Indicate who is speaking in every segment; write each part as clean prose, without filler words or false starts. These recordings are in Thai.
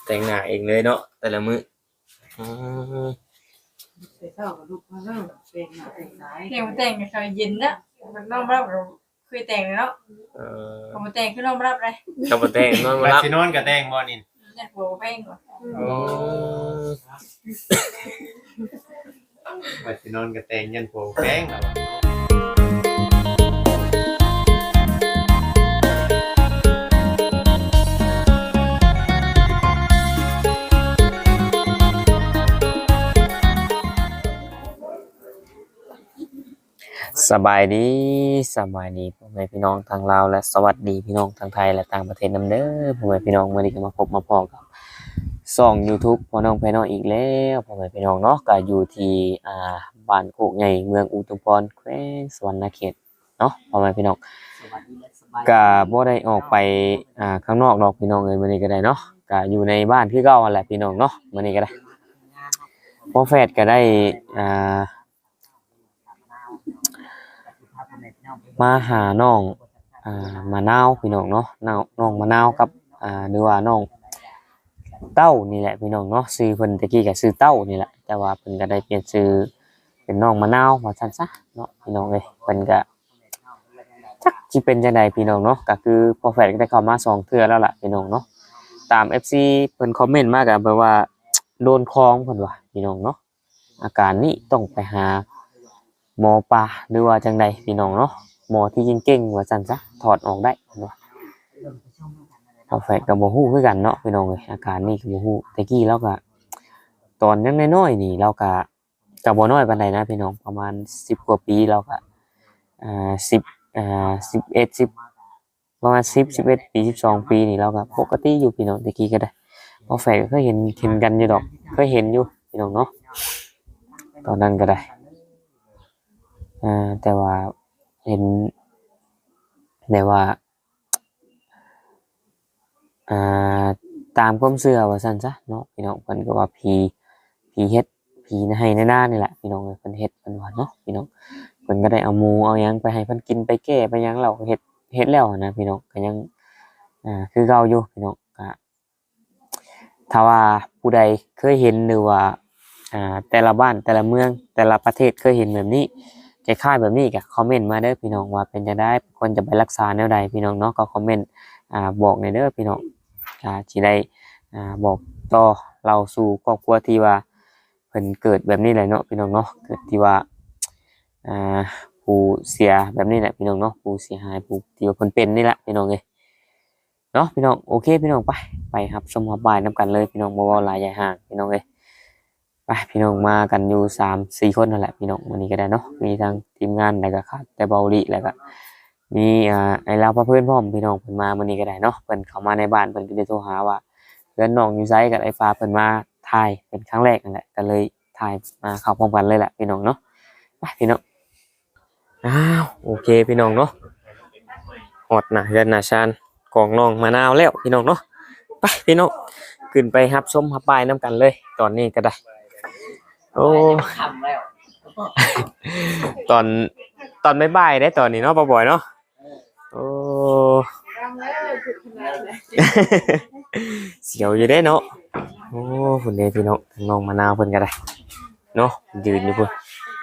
Speaker 1: แต่งหน้าเองเลยเนาะแต่ละมื้อ
Speaker 2: ไปเท่ากับลูกมาเริ่มเป็นหน้าเป็นสาย
Speaker 3: เดี๋ยวแต่งกับเย็นนะมันน้องรับเราเคยแต่งแล้วพอมาแต่งคือน้องรับเลย
Speaker 1: ก็บ่แต่งนอนบ่
Speaker 4: บัด
Speaker 1: รับ
Speaker 4: สินอนก็แต่งบ่นี่
Speaker 3: อยากโบแป้งก่อน
Speaker 4: บัดสินอนก็แต่งยันโผแป้งแล้ว
Speaker 1: สบายดีพ่อแม่พี่น้องทางลาวและสวัสดีพี่น้องทางไทยและต่างประเทศนำเด้อพ่อแม่พี่น้องมื้อนี้ก็มาพบมาพ้อกับช่อง YouTube พ่อน้องพี่น้องอีกแล้วพ่อแม่พี่น้องเนาะก็อยู่ที่บ้านโคกใหญ่เมืองอุทุมพรแขวงสวรรณเขตเนาะพ่อแม่พี่น้องก็บ่ได้ออกไปข้างนอกดอกพี่น้องเอ้ยมื้อนี้ก็ได้เนาะก็อยู่ในบ้านคือเก่านั่นแหละพี่น้องเนาะมื้อนี้ก็ได้พ่อแฟดก็ได้มาหาน้องมะนาวพี่น้องเนาะน้องมะนาวกับหรือว่าน้องเต้านี่แหละพี่น้องเนาะชื่อเพิ่นตะกี้ก็ชื่อเต้านี่แหละแต่ว่าเพิ่นก็ได้เปลี่ยนชื่อเป็นน้องมะนาวว่าซั่นซะเนาะพี่น้องเอ้ยเพิ่นก็จักสิเป็นจังได๋พี่น้องเนาะก็คือพอแฟนก็ได้เข้ามา2เทื่อแล้วล่ะพี่น้องเนาะตาม FC เพิ่นคอมเมนต์มาก็แบบว่าโดนคองเพิ่นว่าพี่น้องเนาะอาการนี้ต้องไปหาหมอปลาหรือว่าจังใดพี่น้องเนาะหมอที่เก่งๆว่าซั่นซะถอดออกได้เนาะพอแฟนก็บ่ฮู้คือกันเนาะพี่น้องเอ้ยอาการนี้ก็บ่ฮู้แต่กี้เราก็ตอนยังน้อยๆนี่เราก็บ่น้อยปานใดนะพี่น้องประมาณ10กว่าปีเราก็1011 10ประมาณ10 11ปี12ปีนี่เราก็ปกติอยู่พี่น้องแต่กี้ก็ได้พอแฟนก็เคยเห็นกันอยู่ดอกเคยเห็นอยู่พี่น้องเนาะตอนนั้นก็ได้แต่ว่าเห็นแบบว่าตามความเชื่อว่าซั่นซะเนาะพี่น้องเพิ่นก็ว่าผีเฮ็ดผีให้ในหน้านี่แหละพี่น้องเอ้ยเพิ่นเฮ็ดเพิ่นว่าเนาะพี่น้องเพิ่นก็ได้เอาหมูเอาหยังไปให้เพิ่นกินไปแก้ไปหยังแล้วเฮ็ดแล้วนะพี่น้องก็ยังคือเก่าอยู่พี่น้องก็ถ้าว่าผู้ใดเคยเห็นหรือว่าแต่ละบ้านแต่ละเมืองแต่ละประเทศเคยเห็นแบบนี้คล้ายๆแบบนี้ก็คอมเมนต์มาเด้อพี่น้องว่าเป็นจังได๋ควรจะไปรักษาแนวใดพี่น้องเนาะก็คอมเมนต์บอกในเด้อพี่น้องสิได้บอกต่อเราสู่ครอบครัวที่ว่าเพิ่นเกิดแบบนี้แหละเนาะพี่น้องเนาะเกิดที่ว่าผู้เสียแบบนี้แหละพี่น้องเนาะผู้เสียหายผู้ที่ว่าเพิ่นเป็นนี่แหละพี่น้องเอ้ยเนาะพี่น้องโอเคพี่น้องไปครับชมฮับบ่ายนํกันเลยพี่น้องบ่เว้าหลายใหญ่ห่างพี่น้องเอ้ยไปพี่น้องมากันอยู่3-4คนนั่นแหละพี่น้องวันนี้ก็ได้เนาะมีทางทีมงานแล้วก็ครับแต่เบาหลีแล้วก็มีไอ้ลาวพะเพิ่นพร้อมพี่น้องเพิ่นมามื้อนี้ก็ได้เนาะเพิ่นเข้ามาในบ้านเพิ่นก็ได้โทรหาว่าเพื่อนน้องอยู่ไสกับไอ้ฟ้าเพิ่นมาถ่ายเป็นครั้งแรกนั่นแหละก็เลยถ่ายมาเข้าพร้อมกันเลยแหละพี่น้องเนาะไปพี่น้องโอเคพี่น้องเนาะฮอดนะเฮือนนาชานของน้องมะนาวแล้วพี่น้องเนาะไปพี่น้องขึ้นไปรับชมรับปลายนํกันเลยตอนนี้ก็ได้โอ้ตอนบ่ายๆได้ตอนนี้เนาะบ่อยๆเนาะโอ้เสียวอยู่ได้เนาะโอ้พุ่นเด้พี่น้องน้องมะนาวเพิ่นก็ได้เนาะยืนอยู่พุ่น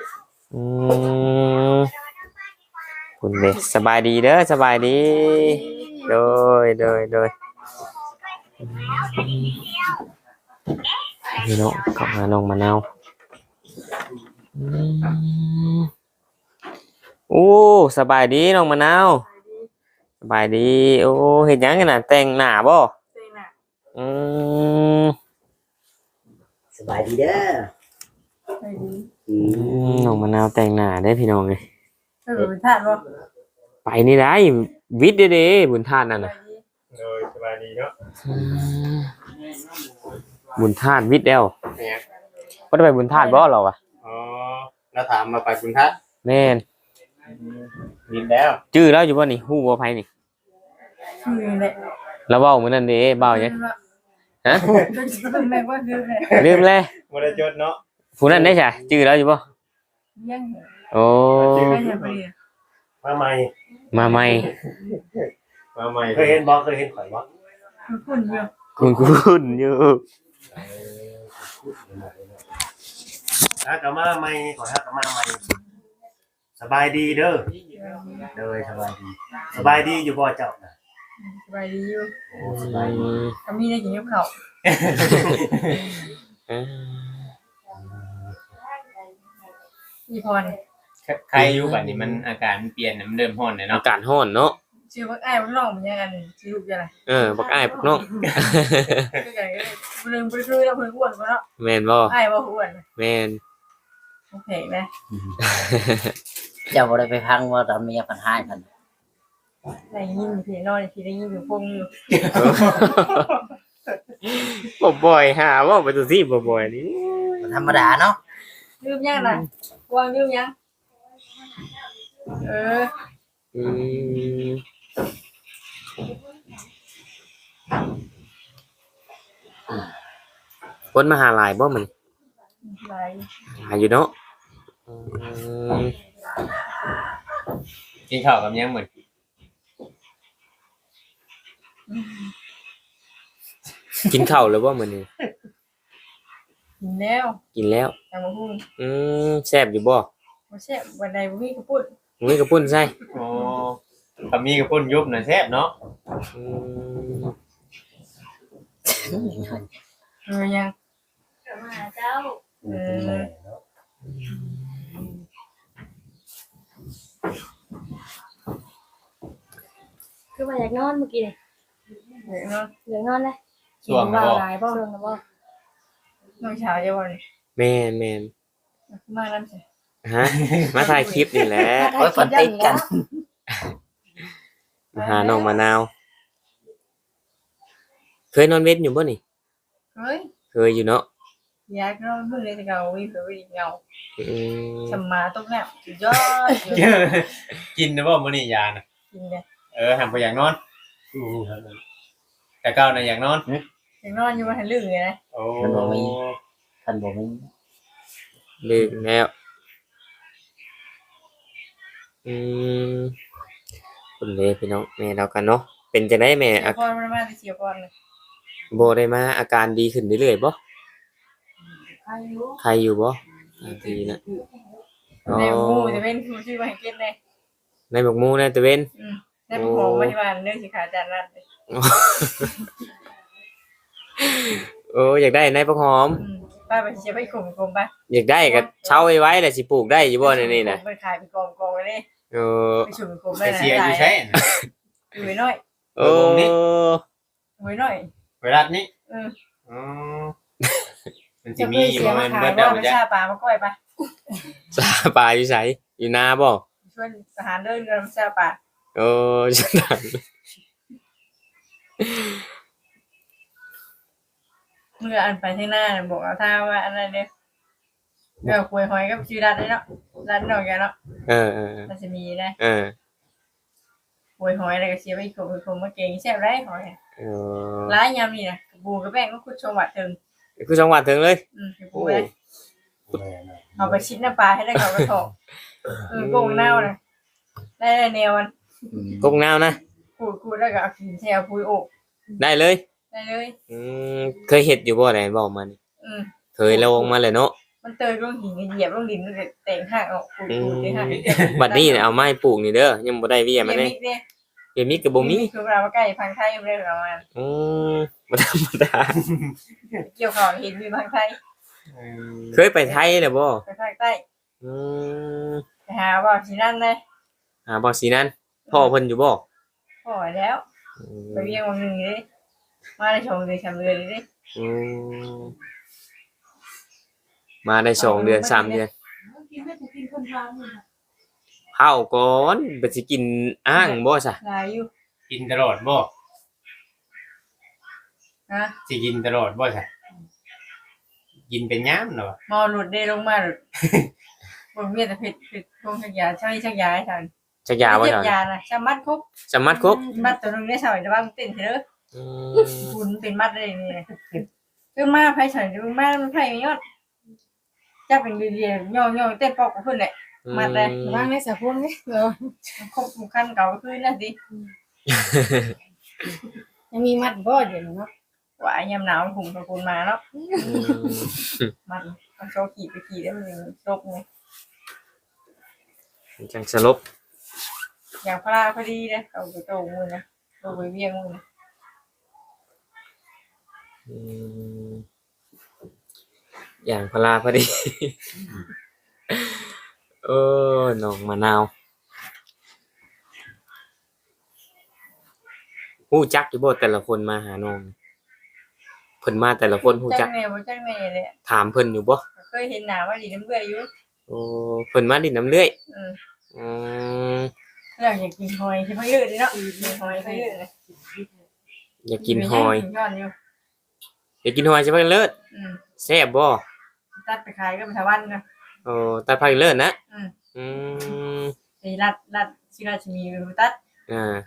Speaker 1: พุ่นเด้สบายดีเด้อสบายดีโดยพี่น้องกลับมาน้องมะนาวโอ้สบายดีน้องมะนาวสบายดีโอ้เฮ็ดหยังกันน่ะแต่งหน้าบ่
Speaker 5: สบายดีเด้อ
Speaker 1: น้องมะนาวแต่งหน้าได้พี่น้องเอ้ย
Speaker 3: เป็นธาตุบ่
Speaker 1: ไปนี่ได้วิทย์เด้ๆบุญธาตุนั่นน่ะ
Speaker 4: สบายดีเนาะ
Speaker 1: บุญธาตุวิทย์แล้วบ่ได้ไปบุญธาตุบ่เราอ่ะ
Speaker 4: อ๋อแล้วถามมาไปคุณทัศน์
Speaker 1: แม่น
Speaker 4: มีแล้ว
Speaker 1: ชื่อแล้วอยู่บ่นี่ฮู้บ่ไผนี่
Speaker 3: ชื่อแหละ
Speaker 1: แล้วเว้ามื้อนั้นเด้เว้าหยังฮะลืมเลย
Speaker 4: บ่ได้จดเนาะ
Speaker 1: ผู้นั้นได้จ้ะชื่อแล้วอยู่บ่
Speaker 3: ยัง
Speaker 1: โอ้
Speaker 4: มาใหม่
Speaker 1: มาใหม่
Speaker 4: เคยเห็นบ่ข่อยบ่
Speaker 3: คุณอยู่
Speaker 1: คุณอยู่
Speaker 4: ฮักกะมาใหม่ขอฮักกะมาใหม่สบายดีเด้อเด้อสบายดีอยู่บ่เจ้าน่ะ
Speaker 3: สบายดีอยู่
Speaker 4: โอ้สบายดี
Speaker 3: ก็มีได้กินกับข้าว มีพร
Speaker 6: ใครอยู่บัดนี้มันอาการมันเปลี่ยนน่ะมันเริ่มร้อนแล้ว
Speaker 1: อา
Speaker 6: เนาะ
Speaker 1: กาศร้อนเนาะ
Speaker 3: ชื่อว่าอ้ายว่าน้องมันยังอันชื่อลูกยังไง
Speaker 1: บักอ้ายพวกน้อง
Speaker 3: คือกันก็ลืมไปคือเราเพิ่นอ้วนกว่าเนาะ
Speaker 1: แม่นบ่
Speaker 3: อ้ายว่าอ้วน
Speaker 1: แม่น
Speaker 3: โอเคไหม
Speaker 5: เจ้าบ่ได้ไปพังว่าตอนเมียเพันหายเพัน
Speaker 3: ได้ยินพี่นอนพี่ได้ยินอยู่พงอยู่
Speaker 1: บ่บ่อยหาว่าไปตัวซี่บ่บ่อยนี่
Speaker 5: ธรรมดาเนาะ
Speaker 3: ลืมยังน่ะวางลืมยังเออ
Speaker 1: อืมคนมาหาหลายบ่มัน
Speaker 3: ไร
Speaker 1: หาอยู่เนาะ
Speaker 6: กินข้าวกับยังเหมือน
Speaker 1: กินข้าวแล้วบ่มื้อนี้
Speaker 3: กินแล้ว
Speaker 1: กินแล้ว
Speaker 3: แต่มาพูด
Speaker 1: แซ่บอยู่บ่
Speaker 3: มาแซ่บวันใดบ่มีกระปุ้น
Speaker 1: มีกระปุ้นใส่
Speaker 6: โอ้กับมีกับพุ่นยุบน่ะแซ่บเนาะ
Speaker 1: อืม
Speaker 3: เออยัง
Speaker 7: มาเจ้า
Speaker 3: เออ
Speaker 7: คือว่าอยากนอนเมื่อกี้นี่
Speaker 3: เดี๋ยวเนาะ
Speaker 7: อยากนอนเลย
Speaker 6: ช่วง
Speaker 7: ว่า
Speaker 6: บ่
Speaker 7: หลายบ่ช่วงนะบ่
Speaker 3: น้องเช้าจะวัน
Speaker 1: แม่นแม่น
Speaker 3: มานั่นสิ
Speaker 1: ฮะมาถ่ายคลิปนี่แหละ
Speaker 5: โอ้ยฝนติดกัน
Speaker 1: มาหาน้องมะนาว เคยนอนเว้นอยู่บ่นี่
Speaker 3: เฮ้ย
Speaker 1: เคยอยู่เนาะ
Speaker 3: อยากนอนเมื่อไรจะเงาวิ่งไปวิ่งเงา
Speaker 1: อืม
Speaker 3: สมาตกแล้วสุดยอด
Speaker 6: กินนะบ่มื้อนี้ยาน่ะ
Speaker 3: กินเลย
Speaker 6: หันไปอยากนอนแต่เก่าน่ะอยากนอน
Speaker 3: ยังนอนอยู่บนหันลื่นเลยนะ
Speaker 6: โอ้
Speaker 5: มันบ่มีท่านบ่มี
Speaker 1: ลืมแล้วคุณเลยพี่น้องแม่เรากันเนาะเป็นจังได๋แม่
Speaker 3: เสียก่อนมันมาเสียก่อนเลย
Speaker 1: บ่ได้มาอาการดีขึ้นเรื่อยๆบ่
Speaker 3: อายุ
Speaker 1: ใครอยู่บ่ดีนะอ๋อ
Speaker 3: ในหมู่จะเป็นผู้ชื่อมาให้เก็ตเลย
Speaker 1: ในหมกหมู่ในตะเวน
Speaker 3: ในผู้ของพยาบาลเรื่องสิขาจานนั่นเลย
Speaker 1: โอ้อยากได้ในผักหอม
Speaker 3: ป้าไปเชียร์ไปข่มข่มป่ะ
Speaker 1: อยากได้ก็เช่าไว้แหละสิปลูกได้อยู่บ่ในนี่น่ะ
Speaker 3: ไปขายไปกองกองเลย
Speaker 1: เออ
Speaker 3: ไปชุ่มข่ม
Speaker 6: ไป
Speaker 3: ได้นะ
Speaker 6: เชียร์อยู่ใช่น่ะ
Speaker 3: อยู่ไว้น้อย
Speaker 1: โอ้
Speaker 3: ไว้น้อย
Speaker 6: เวลานี้
Speaker 3: อืม
Speaker 6: อ๋อมันสิมีอยู่บ่แม่นเบิด
Speaker 3: แล้
Speaker 6: แล้ว ว
Speaker 3: ไป
Speaker 6: จ้ะ
Speaker 3: ชาปลามาก้อยป่ะ
Speaker 1: ซาปลาอยู่ไสอยู่นาบ่
Speaker 3: ช่วยทหารเดินกันชาปลา
Speaker 1: โอ้ฉันดัง
Speaker 3: เมื่ออันไปที่หน้าบอกเอาท่าว่าอันนั้นเนี่ยเดี๋ยวคุยหอยกับชื่อร้านได้เนาะร้านนอกแกเนาะ
Speaker 1: เออ
Speaker 3: มันจะมีนะ หวยหอยอะไรก็เชียร์ไปข่มมาเก่งแซ่บไรหอย
Speaker 1: เออ
Speaker 3: ร้ายยำนี่นะบูกับแป้งก็คุดชมวัดถึง
Speaker 1: คือจังหวัดถึงเลย
Speaker 3: บูเลยเอาไปชิ้นน้ำปลาให้ได้เขากระถอกโกงเน่านะได้แนวมัน
Speaker 1: กงนาวนะ
Speaker 3: คูดแล้วก็เอาขินแซวปุยโอก
Speaker 1: ได้เลย
Speaker 3: ได้เลย
Speaker 1: เคยเฮ็ดอยู่บ่ไหนบอกมานี่เคยลงมาเลยเนาะ
Speaker 3: มันเตยลงหินเหยียบลงดินมันแต่งห่างออกคูดได้ห่าง
Speaker 1: บัดนี้เนี่ยเอาไม้ปลูกนี่เด้อยังบ่ได้เวียมาเลย
Speaker 3: เนี่ย
Speaker 1: เดี๋ยวนี้ก็บ่มี
Speaker 3: คือเวลามาใกล้พังไทยไม่ได้ประมาณ
Speaker 1: บ่ธรรมดา
Speaker 3: เกี่ยวข้าวเห็นมีพังไทย
Speaker 1: เคยไปไทยแล้วบ่
Speaker 3: ไปภาคใต้
Speaker 1: อืม
Speaker 3: ไปหาว่าที่นั่นเลย
Speaker 1: บ่สินั้นพ่อเพิ่นอยู่บ่
Speaker 3: พอแล้วไปเวียงวันหนึ่งเลยมาได้ชมเลยชมเลยเลย
Speaker 1: มาได้2เดือน3เดือน
Speaker 2: กินไม่ถูกกินคนทางนี่
Speaker 1: เผาก่อนบ่สิกินอ้างบ่ซะ
Speaker 3: ลายอยู่
Speaker 6: กินตลอดบ่
Speaker 3: นะ
Speaker 6: สิกินตลอดบ่จ้ะกินเป็นยามเนาะ
Speaker 3: มอหลุดได้ลงมาหลุดบนเมียแต่ผิดพงชักยาใช่ชักยาให้ทัน
Speaker 1: จักยาบ่
Speaker 3: เจ็
Speaker 1: ซั่
Speaker 3: บ
Speaker 1: น
Speaker 3: ยานะชามัดคุก
Speaker 1: สมัดครบ
Speaker 3: มัดตัวนึงได้สอยจะบ้างเต้นเถอะคุณเป็นมัดได้นี่คือมาไพ่สอยจะมามันไพ่ไม่ยอดจะเป็นเรียนย่อเต้นปอกกับเพื่อนแหละมัดเลย
Speaker 7: ว่างในสะพวงนี่เออ
Speaker 3: ครบขั้นเก่าก็คือนั่นสิ
Speaker 7: ยังมีมัดบ่เดี๋ยวนี้เนาะ
Speaker 3: ว่ายามหนาวผมกับคุณมาเนาะ
Speaker 1: อืม
Speaker 3: มันโชว์ขี่ไปขี่ได้มันยังตกไง
Speaker 1: จังสลบ
Speaker 3: อย่างพลาพอดีเลยเอาไปโตมือนะโตไปเวียงมือนะ
Speaker 1: อืมอย่างพลาพอดี เออน้องมะนาวฮู้จักอยู่บ่แต่ละคนมาหาน้องเพิ่นมาแต่ละคนฮู้จัก
Speaker 3: แน่บ่จักแน่เลย
Speaker 1: ถามเพิ่นอยู่บ่
Speaker 3: เคยเห็นหนาว่าดีน้ำเบื่ออยู่
Speaker 1: โอ้เพิ่นมาดินน้ำเลื่อย
Speaker 3: อืม
Speaker 1: อืม
Speaker 3: เราอยากกินหอยที่เขายืดเลยเนาะกินหอยเขายืดเลย
Speaker 1: อยากกินหอย
Speaker 3: กินย้อนอยู่
Speaker 1: อยากกินหอยใช่ไหมเลิศ
Speaker 3: อืม
Speaker 1: แซ่บบ่
Speaker 3: ตัดไปขายก็ไปทาวันนะ
Speaker 1: โอ้ตัดไผ่เลิศนะ
Speaker 3: อืม
Speaker 1: อืม
Speaker 3: ไปรัดชิราชมีไปตัด
Speaker 1: อ่า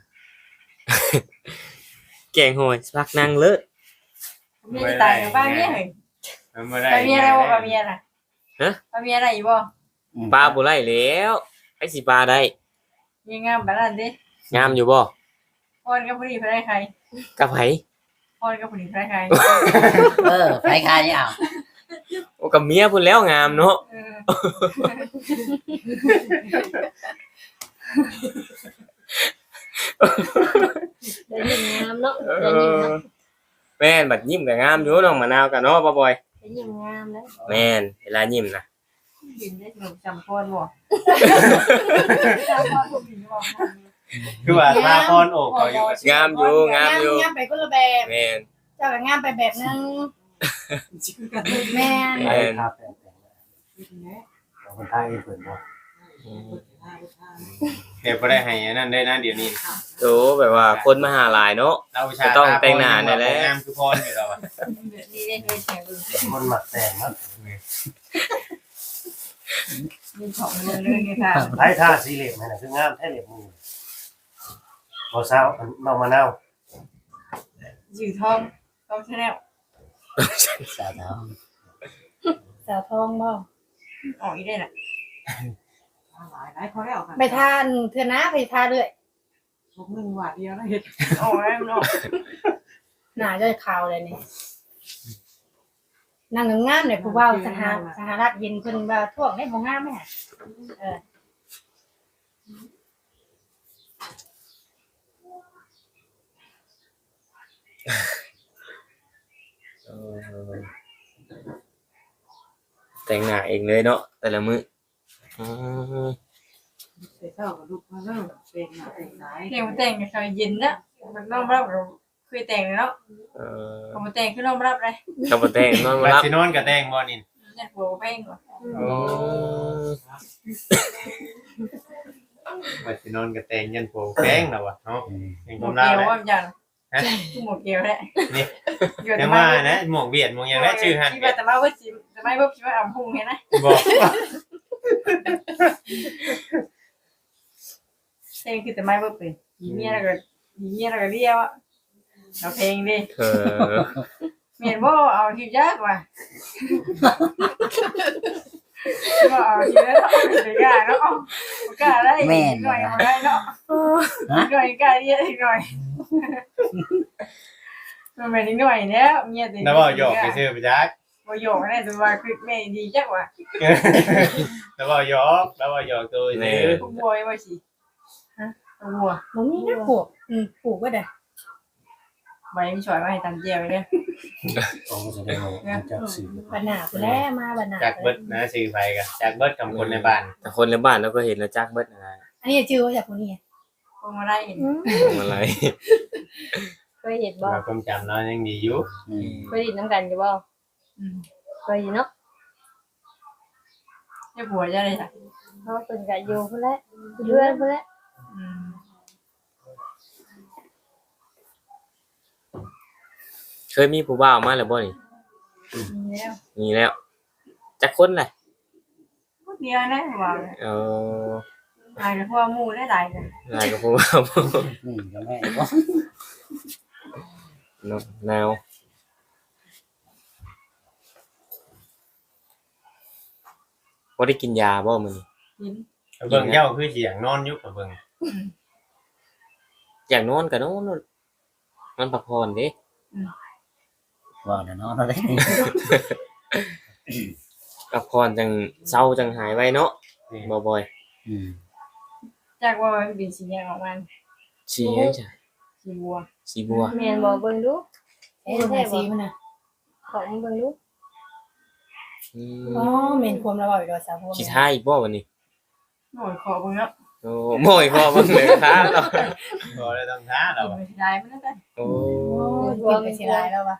Speaker 1: แกงหอยพักนางเลิศ
Speaker 3: มีตายกับบ้านเนี่ยเฮ้ย
Speaker 6: มันบ่ได้
Speaker 3: ปลาเมียอะไรบ่ปลาเมียน่ะปลาเมียอะไรอยู่บ่
Speaker 1: ปลาบ่ไล่แล้วไอ้สิปลาได้
Speaker 3: มีงามแบบนั้นดิ
Speaker 1: งามอยู่บ่
Speaker 3: พอนกับผู้ดีไปได้ใคร
Speaker 1: กับไผ
Speaker 3: พอนกับผู้ดีไปได้ใคร
Speaker 5: ไปคายนี่เอา
Speaker 1: โอ้กับเมียพุ่นแล้วงามเนาะ
Speaker 3: เออ
Speaker 7: ได้ยินงามเนาะ
Speaker 1: เอ
Speaker 7: ได้ยิน
Speaker 1: อ
Speaker 7: เนาะ
Speaker 1: แม่นบัดยิ้มก็งามอยู่น้องมะนาวกันเนาะป้าบอย
Speaker 7: ได้ยินงามแล้ว
Speaker 1: แม่นเวลายิ้มนะ
Speaker 3: กินได้ขนมจำพอนบ่จำพอนผู้ดีบ่
Speaker 4: คือว่าตาพรโอกเขาอยู่
Speaker 1: งามอยู่งามอยู่
Speaker 7: งามไปคนละแบบ
Speaker 1: แม่น
Speaker 7: เจ้าก็งามไปแบบนึงแม่น
Speaker 1: แม่น
Speaker 4: ครับคนไทยเพิ่นบ่
Speaker 6: เดี๋ยวบ่ได้ให้อันนั้นได้นะเดี๋ยวนี้
Speaker 1: โตแบบว่าคนมาหาหลายเนาะ
Speaker 6: เราชา
Speaker 1: ก็ต้องแต่งหน้าได้แล้ว
Speaker 6: งามคือพรอยู่แล้วอะ
Speaker 3: นี่ได้เคยแข่งบึง
Speaker 4: คนหมักแต่งเนาะ
Speaker 3: มีของเงินเลยนี่ค่ะ
Speaker 4: ไทยท่าสีเหล็บนั่นน่ะคืองามแท้เหล็บมือบ่สาวน้องมะนาว
Speaker 3: ยืดทองต้องชาแนล
Speaker 5: สาวเนาะ
Speaker 7: สาวทองบ่
Speaker 3: ออกอีได้น่ะ
Speaker 2: หลายพอแล้วค่ะ
Speaker 7: ไปทานเถื่อนะไปทานเลย
Speaker 2: ผมหนึ่งหวาดเดียวนะเห็ด
Speaker 3: ออกแล้วมันออก
Speaker 7: หน้าจะขาวเลยนี่นางงามๆเนี่ยผู้ว่าสหรัฐเย็นเพิ่นว่าท่วงได้บ่งามแม่เออ
Speaker 1: เออแต่งหน้าเองเลยเนาะแต่ละมื้ออืม
Speaker 2: ใส่เท่ากับลูกมาเริ่มเป็นหนาเป็นสาย
Speaker 3: เพลงมันแต่งกับเขาเย็นนะมันน้องรับเราเคยแต่งแล้ว
Speaker 1: เออ
Speaker 3: เขามาแต่งคือน้องรับเลย
Speaker 1: กับบ่แต่งนอนบ่
Speaker 6: บัด
Speaker 1: รับ
Speaker 6: สินอนก็แต่งบ่นี่
Speaker 3: เนี่ยหัวเพลงก่อน
Speaker 1: อืม
Speaker 6: บัดสินอนก็แต่งยันโผแป้งแล้วอะเนาะยัง
Speaker 3: หม
Speaker 6: ก
Speaker 3: วก
Speaker 6: มลา
Speaker 3: เกลียว
Speaker 6: แล้ว
Speaker 3: ว่ามันจัง
Speaker 6: ฮะ
Speaker 3: หมวกเกลียวแหละ
Speaker 6: นี่ยังว่านะหมวกเบียดหมวกหยังได้ชื่อหั่น
Speaker 3: ที่ว่าแต่มาว่าจิแต่ไม่ว่าคิดว่าอ่ำพุ่งเห็นนะ
Speaker 6: บอก
Speaker 3: เพลงคือแต่ไม่ว่าเป็นยีเมียแล้วก็เรียวอ่ะเอาเพลงดิ
Speaker 1: เออ
Speaker 3: เมียนว่าเอาทียากว่ะว่าเอาทีแล้วไม่กล้าเนาะกล้าได้หน่อยมาได้เนาะหน่อยกล้าเรียกหน่อยมันเป็นหน่อยแล้วเมียติ
Speaker 6: แล้วบ่หยอกไปซื้อไปจัก
Speaker 3: บ่หยอกแน่ตัวว่าคือแม่ดีจักว่ะ
Speaker 6: แล้วบ่หยอกตัวซื้อ
Speaker 3: ผู้บอยว่าสิฮะบัว
Speaker 7: บ่มีนะปลูกปลูกไว้เด้อ
Speaker 3: ใบมีช่วยมาให้ตำเจียวเลย
Speaker 4: โอ้แสดงว่าจักสี
Speaker 7: บัดหน้าพุ่นแหล้วมาบัดหน้า
Speaker 6: จากเบิดนะซื้อไปก็จากเบิดกับคนในบ้าน
Speaker 1: แต่คนในบ้านเราก็เห็นแล้วจักเบิดนะ
Speaker 7: อันนี้ชื่อว่าจากผู้นี้
Speaker 3: พวงมาลัย
Speaker 1: ทำอะไร
Speaker 7: เคยเห็นบ่
Speaker 6: ว่าความจำเรายังดีอยู่
Speaker 7: เคยเห็นน้ำกันอยู่บ่เคยเห็นเนาะ
Speaker 3: จะบัวจะได้จ้ะ
Speaker 7: เพราะว่าเพิ่นก็อยู่พุ่นแหละอยู่เรือนพุ่นแหละ
Speaker 1: เคยมีผู้บ่าวมาแล้วบ่นี่
Speaker 3: แล้ว
Speaker 1: มีแล้วจักคนแหละ
Speaker 3: พูดเดียวนะว่า
Speaker 1: เออ
Speaker 3: หายกับพวกมูได้หลายกัน
Speaker 1: นายกับผู้บ่าว
Speaker 5: ก็แม่บ่
Speaker 1: เนาะแนวบ่ได้กินยาบ่มื้อนี้
Speaker 3: กิน
Speaker 6: เบิ่งเจ้าคือสิอยากนอนอยู่กับเบิ่ง
Speaker 1: อยากนอนก็นอนนอนพักผ่อนเด้
Speaker 5: ว่าเดี๋ยวน้องเราได้
Speaker 1: พักผ่อนจังเศร้าจังหายไว้เนาะบ่บ่อย
Speaker 5: อืม
Speaker 3: จากว่ามันเป็นสีแดงออกมา
Speaker 1: สีหยังจ้ะ
Speaker 3: สีบัว
Speaker 1: สีบัว
Speaker 8: แม่นบ่เบิ่งดู
Speaker 7: เอ๊ะแม่ซีมันน่ะ
Speaker 8: ของเบิ่งดู
Speaker 1: อืม
Speaker 7: อ๋อแม่นความระเว้าอยู่ดอกสาวพวก
Speaker 1: สิทายอีกบ่วันนี้
Speaker 3: โอ้ยขอเบิ่งเนาะ
Speaker 1: โอ้บ่อยพอเบิ่งเลยครับเนาะ
Speaker 6: บ่ได้ต้องท้าเรา
Speaker 3: กินไม่ได้มันนั่นได้
Speaker 1: โอ้
Speaker 7: โอ้ยกินไปสิหลายแล้ววะ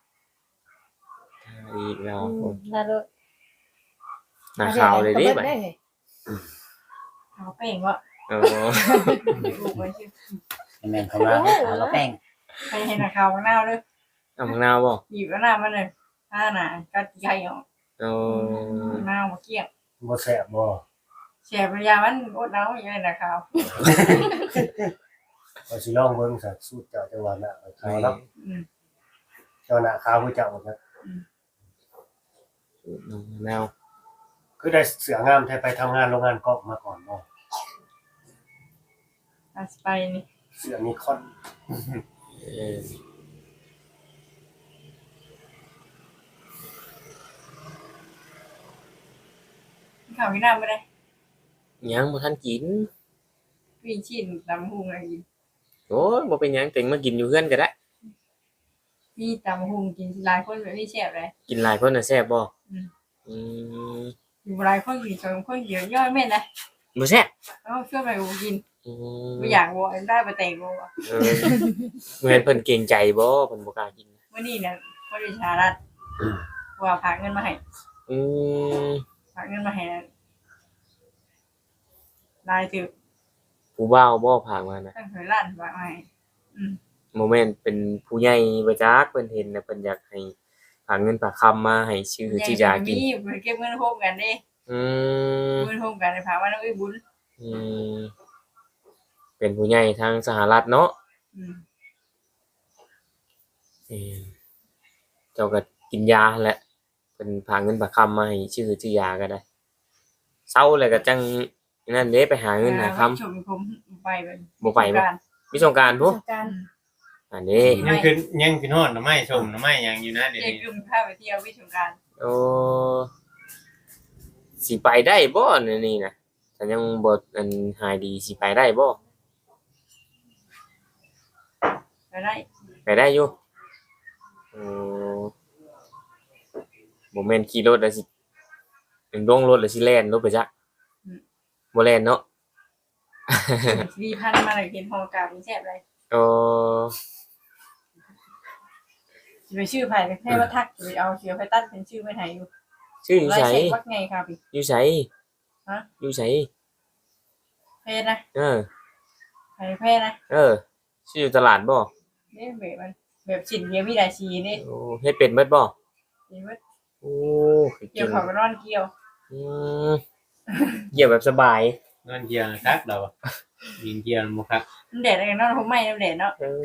Speaker 1: อีกแล้ว
Speaker 8: น่ารู้
Speaker 1: หน้าขาวเลยดิ
Speaker 7: บั
Speaker 1: บั
Speaker 7: ด
Speaker 1: ด
Speaker 7: ได้เฮ้ย
Speaker 3: เอาแป้งว่า
Speaker 1: โอ้
Speaker 3: ลูกไว้ชื่อ
Speaker 5: แม่นเขาว่าเอาละแป้ง
Speaker 3: ไปให้หน้าขาวข้างหน้าเลย
Speaker 1: เอามะนาวบ่
Speaker 3: หยิบแล้วหน้ามันเลยถ้าหน้ากัดไก่ออก
Speaker 1: โอ้
Speaker 3: หน้ามาเกี้ยง
Speaker 4: บ่แซ่บบ่
Speaker 3: แฉะปัญญามันอดเอาอย่างนี้หน้าขาว
Speaker 4: ก็สิลองเบิ่งสักสูตรเจ้าจังหวัดน่ะขาวเนาะ
Speaker 3: อืม
Speaker 4: เจ้าหน้าขาวผู้เจ้าบ่ครับ
Speaker 1: น้ำมะนาว
Speaker 4: คือได้เสืองามแท้ไปทำงานโรงงานกอกมาก่อนเนาะ
Speaker 3: อาสไปนี่
Speaker 4: เสือนิคอน
Speaker 1: เออ
Speaker 3: ข้าวกินน้ำไม่ได้
Speaker 1: ยังบ่ทันกิน
Speaker 3: วิ่งชิ้นตำหุงอะไรกิน
Speaker 1: โอ้ยบ่เป็นหยังเต็งมากินอยู่เฮือนก็ได้
Speaker 3: มีตำหุงกินหลายคนแบบนี้แซ่บเลย
Speaker 1: กินหลายคนน่ะแซ่บบ่
Speaker 3: อืม
Speaker 1: อืม
Speaker 3: อยู่หลายคนกินสองคนเดียวย่อยแม่นนะ
Speaker 1: บ่แซ่บ
Speaker 3: เอาช่วยไปกูกิน
Speaker 1: อืม
Speaker 3: ไม่อยากวัวได้ไปแต่งวัว
Speaker 1: เออบ่แม่นเพิ่นเกรงใจบ่เพิ่นบ่กล้ากิน
Speaker 3: วันนี้เนี่ยบริชารัฐว่าฝากเงินมาให้
Speaker 1: อืม
Speaker 3: ฝากเงินมาให้ลายถือ
Speaker 1: ผู้บ่าวบ่พากมานะ
Speaker 3: ตั้งแต่ล้านฝากมาให้
Speaker 1: โมเมนต์เป็นผู้ใหญ่บ่จักเพิ่นเห็นน่ะเพิ่นอยากให้ฝากเงินฝากคำมาให้ชื่อชื่อยากิน
Speaker 3: มีไปเก็บเงินโฮมกันเด้
Speaker 1: อืม
Speaker 3: เงินโฮมกันฝากว่าน้องอุ้ยบุญ
Speaker 1: อืมเป็นผู้ใหญ่ทางสหรัฐเนาะ
Speaker 3: อืม
Speaker 1: เออเจ้าก็กินยาแหละเป็นพาเงินประคำมาให้ชื่อยาก็ได้เศร้าเลยก็จังนั่นเด้ไปหาเงินหาค
Speaker 3: ชมผมไปเป็น
Speaker 1: ำบ่ไปบ่มีสงกราร
Speaker 7: ป
Speaker 1: พุ
Speaker 7: ระสบการณ์
Speaker 1: อันนี้
Speaker 6: ยังขึ้นฮอดหน่อไม้ชมหน่อไม้ยังอยู่นะเดี๋ยว
Speaker 3: เด็ก
Speaker 6: นี้
Speaker 3: กลุ่มพาไปเที่ยววิชงการ
Speaker 1: โอ้สิไปได้บ่นี่นะแต่ยังบ่อันหายดีสิไปได้บ่
Speaker 3: ไปได้
Speaker 1: ไปได้อยู่โอ้บ่แม่นขี่รถแล้วสิเป็นลงรถแล้วสิแล่นรถไปจักบ่แล่นเนาะ
Speaker 3: ดีพันมาเลยกินฮอกาเป็นแซ่บเลย
Speaker 1: โอ้
Speaker 3: ไปชื่อไผ่แค่ว่าทักไปเอาเสือไปตัดเป็นชื่อไม่ไทยอยู่
Speaker 1: ชื่ออยู่ไส
Speaker 3: วัดไงครับพี่
Speaker 1: อยู่ไส
Speaker 3: ฮะ
Speaker 1: อยู่ไส
Speaker 3: เพศนะ
Speaker 1: เออ
Speaker 3: ไผ่เพศนะ
Speaker 1: เออชื่ออยู่ตลาดบ่
Speaker 3: นี่แบบมันแบบชิ้นเดียวมีหลายชีนี่
Speaker 1: โอ้เฮ็ดเป็นเบิดบ่
Speaker 3: นี่ว่า
Speaker 1: โอ้คือ
Speaker 3: เกี่ยวเขาก็นอนเกี่ยว
Speaker 1: อืมเกี่ยวแบบสบาย
Speaker 6: นอนเกียร์คักเรายิงเกียร์บ่คัก
Speaker 3: มันแดดอะไรนอนผมไม่แดดเนาะ
Speaker 1: เออ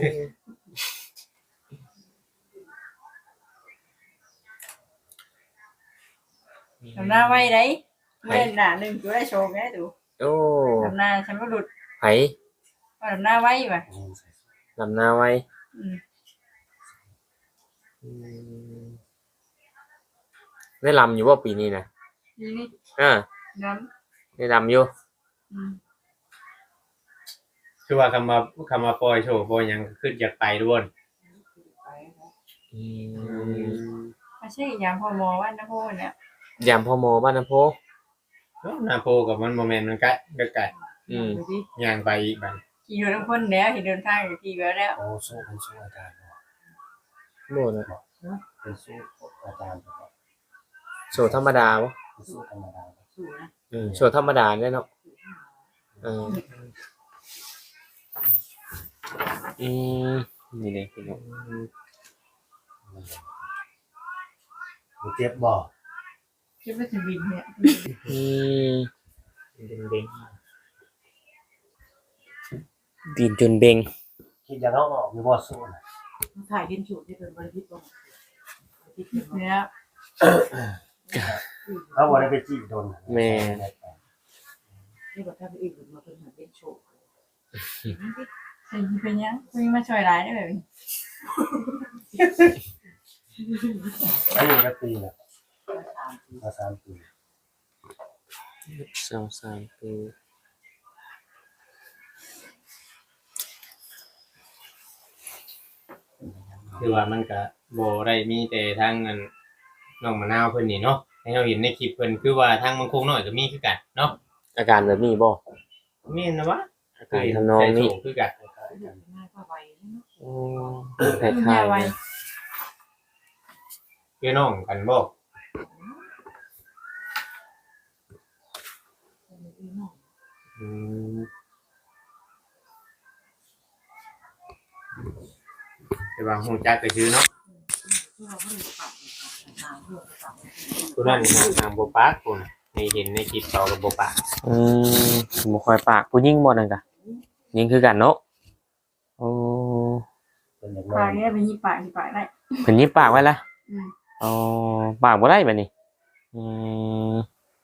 Speaker 3: ทำหน้าไว้ได้เมื่อหน้าหนึ่งตัวได้โชว์ไงดู
Speaker 1: โอ้
Speaker 3: ทำหน้าฉันก็หลุด
Speaker 1: ไผ
Speaker 3: ว่าทำหน้าไว้ป่ะ
Speaker 1: ลำหน้าไว้
Speaker 3: อืม
Speaker 1: อืมได้ลำอยู่บ่ปีนี้นะ
Speaker 3: นี่นี่
Speaker 1: อ่า
Speaker 3: น้
Speaker 1: ได้ลำอยู่
Speaker 3: ำอืม
Speaker 6: คือว่าคำมาปล่อยโชว์ปล่อยหยังขึ้นอยากไปด้วย
Speaker 1: อืม
Speaker 3: ไม่ใช่ยามพอมอว่านะพ่อเนี่ย
Speaker 1: ยามพ่อโมบ้านน้ำโพ
Speaker 6: นาโพกับมันโมเมนต์มันใกล้ใกล้
Speaker 1: อืม
Speaker 3: ดูดิ
Speaker 6: ย่างไปอีกบัด
Speaker 3: ขี่รถทั้งคนแล้วเห็นเดินทางอยู่ขี่ไปแล้ว
Speaker 4: โอ้สู้เป็นสู้อาจารย์บ่
Speaker 1: โน่นนะ
Speaker 4: เป็นสู้อาจารย์บ่
Speaker 1: โชว์ธรรมดาบ่
Speaker 4: เป็นสู้ธรรมดาบ่
Speaker 3: สู้นะ
Speaker 1: โชว์ธรรมดาได้เนาะเอออืมนี่เลยพี่น้อง
Speaker 4: บ่เจ็บบ่
Speaker 3: คิดว่าจะบินเนี่ย
Speaker 1: อืมดินจนเบง
Speaker 4: คิดอยากเอาออกอยู่บ่สู้น่ะ
Speaker 2: ถ่ายกินฉุดที่เป็นบริษัทบ่
Speaker 3: เนี่ย
Speaker 4: เอาบ่ได้ไปจี้โดน
Speaker 1: แม่
Speaker 2: นี่บ่ถ้าไปอีกมาเป็นหาเป็นโชว์
Speaker 3: เป็นยังคุยมาช่วยร้ายได้แบบ
Speaker 4: อันนี้ก็ปีละมา3 ปี
Speaker 1: 2-3 ปี
Speaker 6: คือว่ามันก็บ่ได้มีแต่ทางนั้นน้องมะนาวเพิ่นนี่เนาะให้เราเห็นในคลิปเพิ่นคือว่าทางมังคงน้อยก็มีคือกันเนาะ
Speaker 1: อาการแบบนี้บ่
Speaker 6: แม่นนะวะ
Speaker 1: อาการทำนองนี้
Speaker 6: ใจโศกคือกัน
Speaker 2: ง่ายกว่าไวเนาะ
Speaker 1: โอ้คล้ายๆนะ
Speaker 6: คือน้องกันบ่อืมแต่ว่าฮู้จักก็ชื่อเนาะผู้นั้นทางบ่ปากพุ่นให้เห็นในคลิปเขาก็บ่ปาก
Speaker 1: บ่ค่อยปากผู้หญิงบ่นั่นกะยิงคือกันเนาะโอ้
Speaker 4: เป็นอย่าง
Speaker 3: ปา
Speaker 4: นั้
Speaker 3: ก
Speaker 4: น
Speaker 3: เนี่ยเป็นยี่ปากยี่ปากได้
Speaker 1: เพิ่นยิบปากไว้ละ
Speaker 3: อืม
Speaker 1: อ๋อปากบ่ได้บัดนี้อืม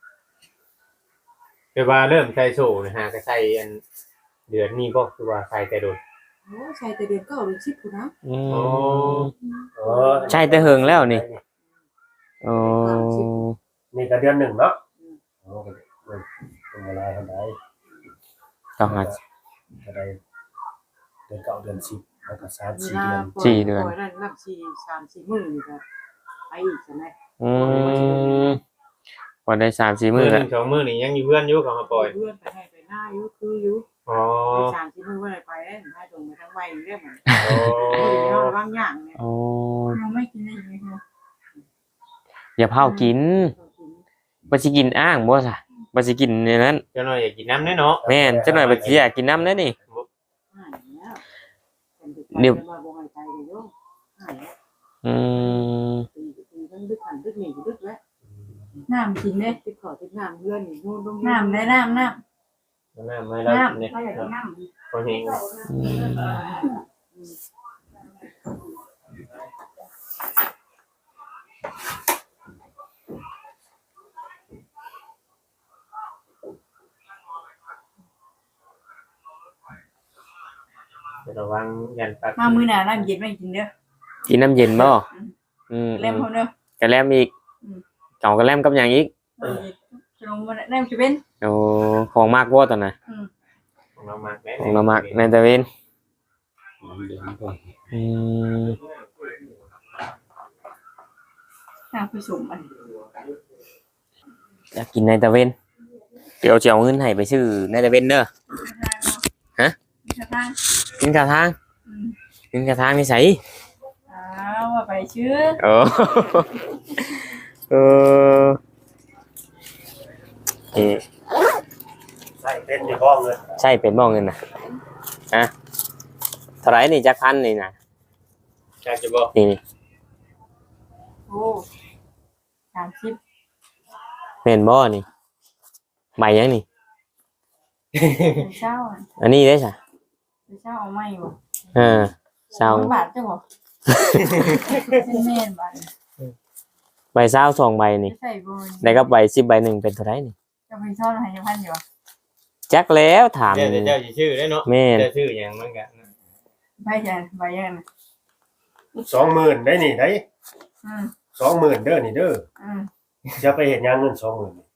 Speaker 6: คือว่าเริ่มใส่โซ่นะฮะก็ใส่อันเดือนนี้บ่คือว่าใส่แต่โดน
Speaker 2: โอ้ใช่แต่เดือน9หรือ10พุ่นนะ
Speaker 1: อืม
Speaker 6: อ๋อ
Speaker 1: ใช่แต่เฮิงแล้วนี่อ๋อ
Speaker 4: นี่ก็เดือน1เนาะโอ้ก็เป็นเวลาเท่าใด
Speaker 1: ต้องหา
Speaker 4: ก็ได้เดือน9เดือน10แล้วก็3 4
Speaker 2: เวลา
Speaker 4: เดือน
Speaker 1: สี่เดือน
Speaker 2: ปล่อยนั่นนับ3-4 มื้อนี่ก็ไปอีกใช่ไหม
Speaker 1: อืมพอได้3-4
Speaker 6: มื้
Speaker 1: มื้
Speaker 6: อ
Speaker 1: อ
Speaker 6: ห
Speaker 1: แล้ว
Speaker 6: นึง2มื้อนี่ยังอยู่เพื่อนอยู่กับมาปล่อย
Speaker 2: เพื่อนไปให้ไปหน้าอยู่คืออยู่
Speaker 6: อ๋อ
Speaker 2: ไป3-4 มื้อว่าอะไรไปได้ให้ตรงไปทั้งไว้เรื่องมัน
Speaker 6: โอ้
Speaker 2: เนาะบางอย่างเนี่ย
Speaker 1: อ๋อ
Speaker 3: ยังไม่กินได้ยังไงคะ
Speaker 1: อย่าเผากินบ่สิกินอ้างบ่ซะบ่สิกินในนั้น
Speaker 6: เจ้าน้อยอยากกินน้ำแน่เนาะ
Speaker 1: แม่นจักหน่อยบ่สิอยากกินน้ำเด้อนี่
Speaker 2: เดี๋ยวมาบ่ให้ใจเลยโยมหายแล้ว
Speaker 1: อืม
Speaker 2: ตีทั้งดึกหันดึกหนีดึกแล้ว
Speaker 3: น้ำกินเด้
Speaker 2: ติดขอติดน้ำเพื่อนนี่นู่นต้อง
Speaker 3: น้ำได้น้ำ
Speaker 6: น้ำไม่ได้
Speaker 3: น้ำ
Speaker 6: เนี่ย
Speaker 3: เราอยากกินน้ำ
Speaker 6: คนเฮง ระวังยันปัก
Speaker 3: มามื้อหน้าน้ำเย็นไม่กินเด้อ
Speaker 1: กินน้ำเย็นบ่อืม
Speaker 3: เล่มเขาเด้อก
Speaker 1: ระแลมอีกเก่ากระแลมกับหยังอีก
Speaker 3: ขนมมันน้ำจะเป็น
Speaker 1: โอ้ของมากบ่ตอนน่ะ
Speaker 6: ของเรามาก
Speaker 1: ของเรามากในตะเวนอืม
Speaker 3: น้ำผสมมัน
Speaker 1: อยากกินในตะเวนเดี๋ยวจะเอาเงินให้ไปซื้อในตะเวนเด้อ ฮะ
Speaker 3: กระทาง
Speaker 1: กินกระทางกินกระทางนี่ไส
Speaker 3: ว่าไปชื่อ
Speaker 1: โอ้เออเอ๊ะ
Speaker 4: ใส่เป็นอยู่บ่เงิน
Speaker 1: ใช่เป็นบ่เงินน่ะฮะเท่าไหร่นี่จักพันนี่น่ะ
Speaker 6: อยากจะบอก
Speaker 1: นี่
Speaker 3: โอ้30
Speaker 1: เป็นบ่นี่ใบยังนี่
Speaker 3: เช้า
Speaker 1: อันนี้ได้จ้ะ
Speaker 3: เช้าเอาไม่บ่
Speaker 1: เศร้า
Speaker 3: บาทจ้ะบ่เป็นแม่นบาท
Speaker 1: ใบเศร้า2ใบนี่
Speaker 3: ใส่บ่
Speaker 1: ได้กับใบ10ใบหนึ่งเป็นเท่าไหร่นี่
Speaker 3: จะไปซ่อนให้พันอยู่
Speaker 1: จักแล้วถาม
Speaker 6: เดี๋ยวเจ้าจะชื่อได้เนาะ
Speaker 1: แม่น
Speaker 6: เจ้าชื่ออย่างมันกัน
Speaker 3: ใบยันใบยัน
Speaker 4: 20,000ได้นี่ได้ 20,000เด้อนี่เด้อ จะไปเฮ็ดหยังเงิน 20,000นี่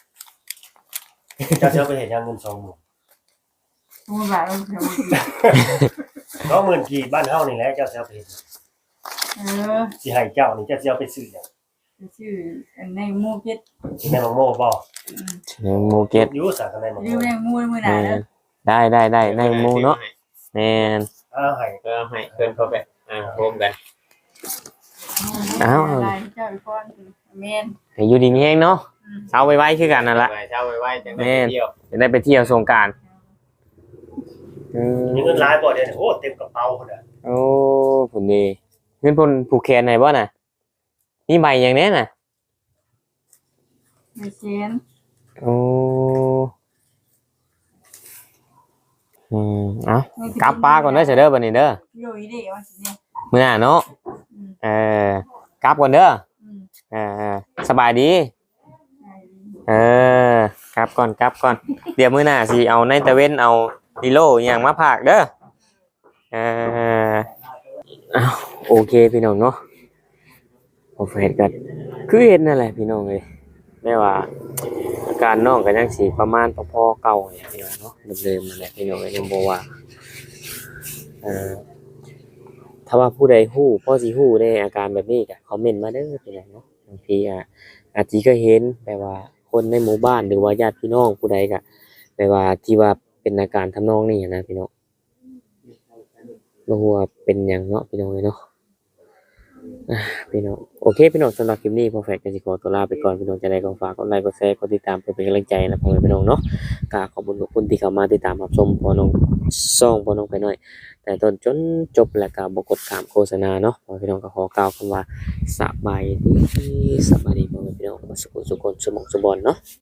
Speaker 4: จะไปเฮ็ดหยังเงิน 20,000
Speaker 3: บาทเรา
Speaker 4: 20,000กี่บ้านเฮานี่แหละเจ้าสิเอาไปเฮ็ดสิให้เจ้านี่เจ้าสิเอาไปซื้อหยัง
Speaker 3: ชื่อในมูเก็ต
Speaker 4: สิแม่นโม่บ่
Speaker 1: หมูเก็ต
Speaker 4: อยู่ซะกันได้บ่
Speaker 3: อยู่ในมูมื้อหน้าเด้อ
Speaker 1: ได้ในหมูเนาะแม่น
Speaker 4: เอาให้
Speaker 6: ก็ให้เพิ่นเข้าไปโฮมกัน
Speaker 3: เจ้าอีกคนแม่น
Speaker 1: ให้อยู่ดีมีแฮงเนาะเอาไว้คือกันนั่นล่ะ
Speaker 6: เช้าไว้จังได้เที่ยว
Speaker 1: จะได้ไปเที่ยวสงกรานต์
Speaker 4: มีเงินหลายบ่เดี๋ยวนี้โอ้เต็มกระเป๋าพุ่นน่ะ
Speaker 1: โอ้ผลดีเงินพลผูกแขนไหนบ่น่ะนี่ใบอย่างแนี้น่ะ
Speaker 3: ไม่เชน
Speaker 1: โอ้เอากลับป้าก่อนเด้อเสยเด้อบัดนี้เด้อ
Speaker 3: อยู่อีเด้ว่าสิเนี่ย
Speaker 1: มื้อหน้าเนาะกลับก่อนเด้อสบายดีกลับก่อนเดี๋ยวมื้อหน้าสิเอาในตะเว้นเอาดิโลอหย่างมาผากเด้อโอเคพี่น้องเนาะพอเฟซก็คือเห็นนั่นแหละพี่น้องเอ้ยแม้ว่าอาการน้องก็ยังสิประมาณพอๆเก่าเนี่ยพี่น้องเนาะเดิมๆนั่นแหละพี่น้องเอ้ยยังบ่ว่าถ้าว่าผู้ใดฮู้พอสิฮู้ได้อาการแบบนี้ก็คอมเมนต์มาเด้อพี่น้องเนาะบางทีอาจสิเคยเห็นแบบว่าคนในหมู่บ้านหรือว่าญาติพี่น้องผู้ใดก็แบบว่าที่ว่าเป็นอาการทำนองนี้นะพี่น้องบ่ฮู้ว่าเป็นหยังเนาะพี่น้องเอ้ยเนาะพี่น้องโอเคพี่น้องสำหรับคลิปนี้พอแฟกก็สิขอตัวลาไปก่อนพี่น้องจะได้ก็ฝากกดไลค์กดแชร์กดติดตามเพื่อเป็นกำลังใจนะพ่อแม่พี่น้องเนาะก็ขอบคุณทุกคนที่เข้ามาติดตามรับชมพ่อน้องพ่อน้องไปหน่อยแต่ต้นจนจบแล้วก็บ่กดข้ามโฆษณาเนาะพ่อพี่น้องก็ขอกล่าวคำว่าสบายดีพ่อแม่พี่น้องสุขสุขคนสมองสุบอนเนาะ